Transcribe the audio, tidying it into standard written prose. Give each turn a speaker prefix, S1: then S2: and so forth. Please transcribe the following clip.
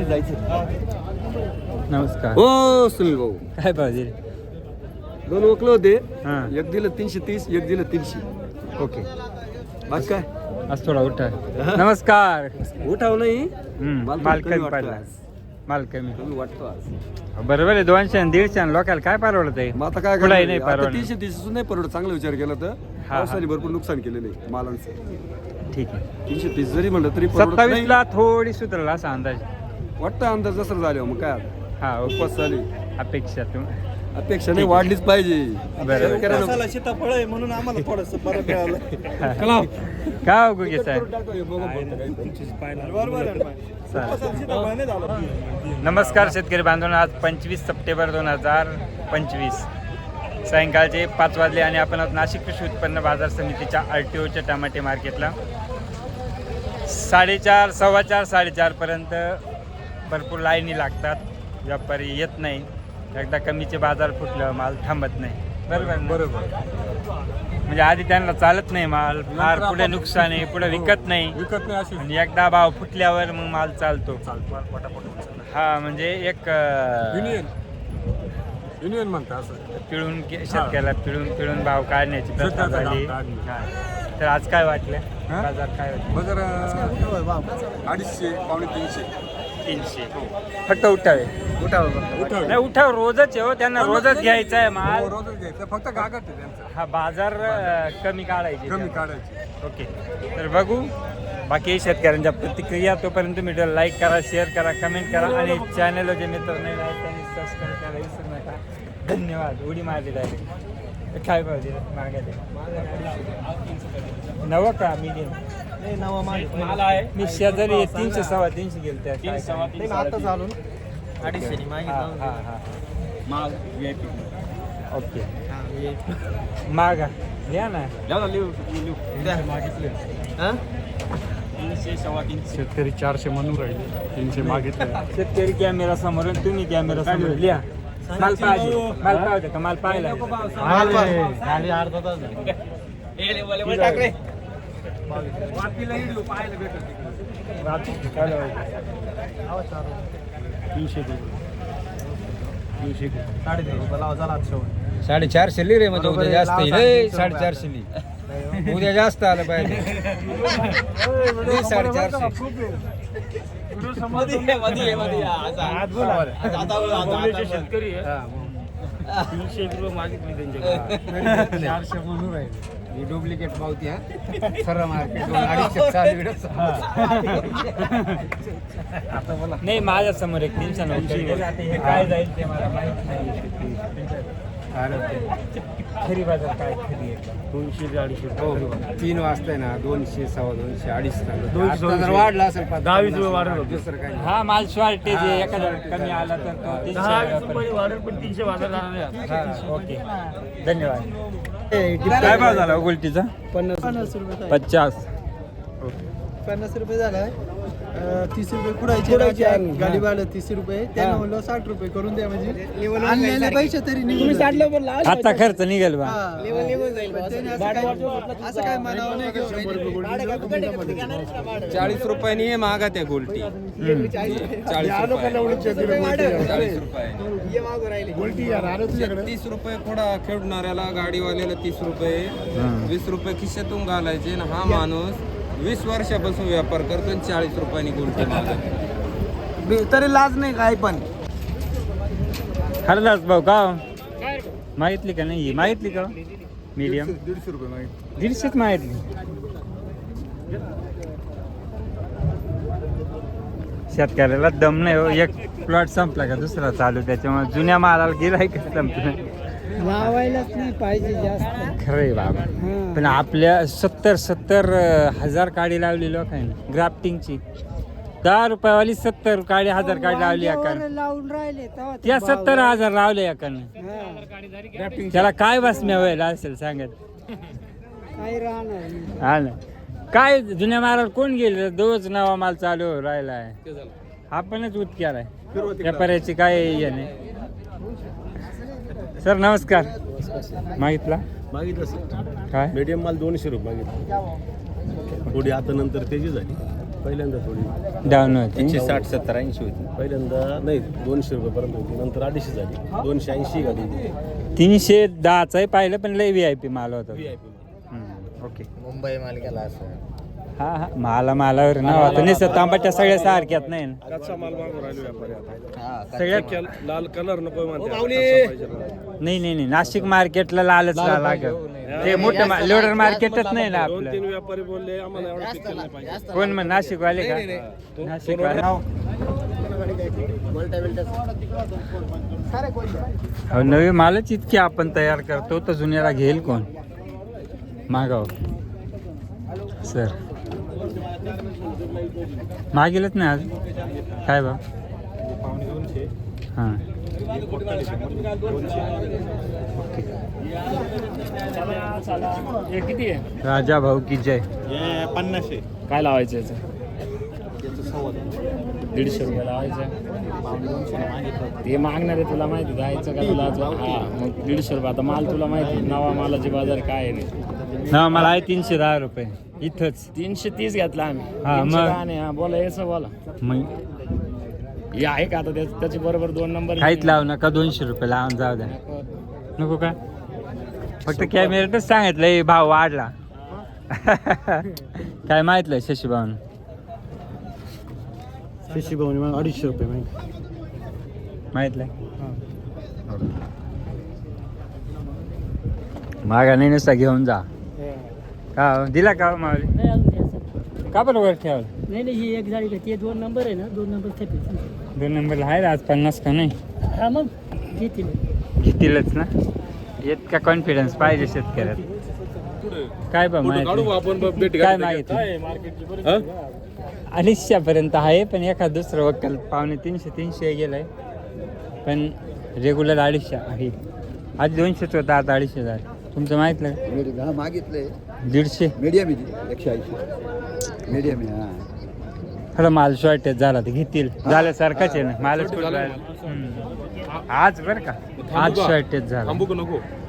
S1: खाली जायचं.
S2: नमस्कार.
S1: हो सुनील भाऊ,
S2: काय पाहिजे?
S1: दोन ओकलं होते.
S2: हां.
S1: एक दिलं 330, एक दिलं 300.
S2: ओके.
S1: बाकी काय
S2: आज थोडा उठा. नमस्कार.
S1: उठाव नाही.
S2: माल
S1: कमी
S2: कमी
S1: वाटतो
S2: पडला.
S1: आज.
S2: माल कमी.
S1: कमी वाटतो आज.
S2: बरोबर आहे. 200 आणि 150 आणि लोकांना काय परवडत आहे?
S1: मग आता काय
S2: कुठलाही नाही
S1: करणार? आता
S2: परवडत.
S1: 330 नाही परवडत. चांगला विचार केला तर पावसाने भरपूर नुकसान केलेलं आहे मालांचं.
S2: ठीक आहे.
S1: 330 जरी म्हणलं तरी परवडत
S2: 27
S1: नाही.
S2: ला थोडी सुधारला असा अंदाज.
S1: वाटतं अंदाज जसं झाले मग काय आता.
S2: हा
S1: उपवास झाली.
S2: अपेक्षा
S1: अपेक्षा नाही वाढलीच पाहिजे.
S2: बरोबर.
S1: शेतकऱ्यांना
S3: सीताफळ आहे म्हणून आम्हाला थोडस बरं मिळालं.
S2: काय गुगे साहेब? नमस्कार शेतकरी बांधवांनो, आज 25 सप्टेंबर 2025 सायंकाळचे 5 वाजले आणि आपण आहोत नाशिक कृषी उत्पन्न बाजार समितीच्या RTOच्या टमाटे मार्केटला. 4:30, 4:15, 4:30 पर्यंत भरपूर लाईनी लागतात. व्यापारी येत नाही. एकदा कमीचे बाजार फुटलं माल थांबत नाही. बरोबर बरोबर. म्हणजे आधी त्यांना चालत नाही माल, फार पुढे नुकसान आहे, पुढे विकत नाही आणि एकदा भाव फुटल्यावर मग माल चालतो. हा म्हणजे एक
S3: युनियन म्हणतात असं
S2: पिळून शेतकऱ्याला पिळून भाव काढण्याची प्रथा झाली. तर आज काय वाटलं? बाजार काय वाटलं?
S3: बाजार 250, पावणे
S2: 300 फक्त उठावे. नाही उठाव रोजच आहे हो, त्यांना रोजच घ्यायचा आहे माल.
S3: रोजच घ्यायचं, फक्त गागट आहे त्यांचं.
S2: हा बाजार कमी काढायची.
S3: कमी काढायची.
S2: ओके. तर बघू बाकी शेतकऱ्यांच्या प्रतिक्रिया. तोपर्यंत तुम्ही लाईक करा, शेअर करा, कमेंट करा आणि चॅनलवर जे मित्र नाही आहेत त्यांनी सबस्क्राईब करायला विसरू नका. धन्यवाद. उडी मारली डायरेक्ट. काय पाहिजे मागायला? नवं का मीडियम?
S3: माल आहे.
S2: मी शेजारी 300, 350 गेल त्या.
S3: आता चालून 250
S1: माल VIP.
S2: ओके. मागा घ्या ना.
S3: शेतकरी 400 म्हणून राहिले, 300 मागितले.
S2: शेतकरी कॅमेरा समोर आणि तुम्ही कॅमेरा समोर लिहा. माल पाहिजे. माल पाहिजे का? माल पाहिला.
S3: गाडी अर्धा तास
S1: ₹450 रे म्हणजे उद्या जास्त येईल. 450 उद्या जास्त आलं पाहिजे. 450.
S3: शेतकरी 300 मागितली त्यांच्याकडे. 400 म्हणून राहिले.
S1: डुप्लिकेट पावती खरं मार्केट 250
S2: आता बोला. नाही माझ्या समोर एक 390 काय जाईल ते मला माहित नाही. खरी बाजार काय खरी आहे?
S3: 200 ते 250.
S1: 3 वाजता ना 200, 250, 250.
S3: 200
S1: जर वाढला असेल
S3: 10-20 रुपये वाढेल.
S1: दुसरं काही
S2: हा माल शॉर्टेज आहे. एखादा कमी आला तर तो 300
S3: रुपये वाढेल, पण 300 बाजार झाला.
S2: हा, ओके. धन्यवाद. काय भाव झाला गोल्टीचा?
S4: 50 रुपये.
S2: 50.
S4: 50 रुपये झालाय. 30 रुपये कुडायचे गाडी भाडं 30 रुपये. त्यानं म्हणलं 60 रुपये करून द्या म्हणजे आणलेले पैसे तरी निघून.
S2: आता खर्च निघेल बा.
S4: असं काय म्हणावं नाही.
S1: 40 रुपयांनी हे महागा त्या गोल्टी. 30 रुपये थोडा खेळणाऱ्याला, गाडीवाल्याला 30 रुपये, 20 रुपये खिशातून घालायचे. आणि हा माणूस 20 वर्षापासून व्यापार करतो आणि 40 रुपयांनी गोल्टी मागत.
S4: तरी लाज नाही काय पण.
S2: हरदास भाऊ का मागितली का नाही? मागितली का मीडियम?
S3: 150 रुपये मागितले.
S2: 150च मागितली. शेतकऱ्याला दम नाही हो. एक प्लॉट संपला का दुसरा चालू, त्याच्यामुळे जुन्या मालाला गिराईक संपलं.
S4: लावायलाच नाही पाहिजे जास्त.
S2: खरंय बाबा. पण आपल्या 70 हजार काडी लावली लोकांनी ग्राफ्टिंगची. 10 रुपयावाली 70 काडी, 1000 काडी लावली एकानं.
S4: लावून राहिले
S2: त्या 70,000 लावले एकानं. त्याला काय बातम्या व्हायला असेल सांगत?
S4: काही राहणार.
S2: हा ना. काय जुन्या मालावर कोण गेले? दोच नवा माल चालू राहिला आहे. आपणच उत्क्यार आहे. व्यापाऱ्याची काय हे नाही. सर नमस्कार. मागितला
S3: मागितलं
S2: काय?
S3: मीडियम माल 200 रुपये मागितलं. थोडी आता नंतर त्याची झाली.
S5: पहिल्यांदा थोडी
S2: डाऊन होती
S1: 160-70-80 होती.
S5: पहिल्यांदा नाही 200 रुपयेपर्यंत होती, नंतर 250 झाली, 280 झाली.
S2: 310च आहे पाहिलं, पण लय VIP माल होता. ओके.
S4: मुंबई मालिकेला असं
S2: हा हा मालावर ना होतं नाही, तांबाट्या सगळ्या सारख्यात नाही ना.
S5: कच्चा माल मागून राहिलो व्यापारी आता.
S2: सगळ्यात
S5: लाल कलर नको म्हणते, कच्चा पाहिजे ना.
S2: नाही नाशिक मार्केटला लालच लागत. ते मोठं लोडर मार्केटच नाही ना आपलं.
S5: 2-3 व्यापारी बोलले आम्हाला एवढं पिकल नाही पाहिजे.
S2: कोण मग नाशिक वाले का? नाशिक वाले हो, नवी मालच इतकी आपण तयार करतो तर जुन्याला घेईल कोण? मागाव सर मागेलच नाही आज काय बा. हां
S3: किती आहे?
S2: राजा भाऊ की जय.
S5: 50 आहे.
S3: काय लावायचं याचं? 150 रुपये लावायचं. ते मागणार आहे तुला माहिती, जायचं का तुला? हा मग 150 रुपये. आता माल तुला माहिती, नवा मालाची बाजार काय आहे
S2: ना. मला आहे 310 रुपये इथंच.
S3: 330 घेतला आम्ही.
S2: हा, मग?
S3: 310 नाही. हा बोला याचं बोला.
S2: मग
S3: हे आहे का आता त्याची बरोबर 2 नंबर
S2: काहीच लावू नका, 200 रुपये लावून जाऊ द्या. नको का? फक्त कॅमेऱ्यातच सांगितलं भाव वाढला. काय माहितलं शशीभाऊन?
S5: शशीभाऊनी मग 250 रुपये
S2: माहितलं मागा नाही नुसता घेऊन जा. का दिला का मावली?
S6: नाही अजून द्यायचं.
S2: का बरोबर ठेवलं?
S6: नाही ही एक झाली का? ते 2 नंबर आहे ना, 2 नंबर थेट
S2: 2 नंबरला आहे आज 50 का नाही?
S6: हा मग घेतील.
S2: घेतीलच ना. इतका कॉन्फिडन्स पाहिजे शेतकऱ्यात. काय बा माहिती काय मागितलं? 250 पर्यंत आहे, पण एखाद दुसरं वक्कल 250-300 गेलाय, पण रेग्युलर 250 आहे. आधी 200 होता, आता 250 झालं. तुमचं माहितलं का?
S4: मागितलंय
S2: 150
S4: मीडियम आहे 180 मीडियम आहे. हा
S2: थोडा माल शॉर्टेज झाला तर घेतील. झाल्यासारखाच आहे ना मालच कुठं राहिला. आज बरं का आज शॉर्टेज झाला.
S5: नको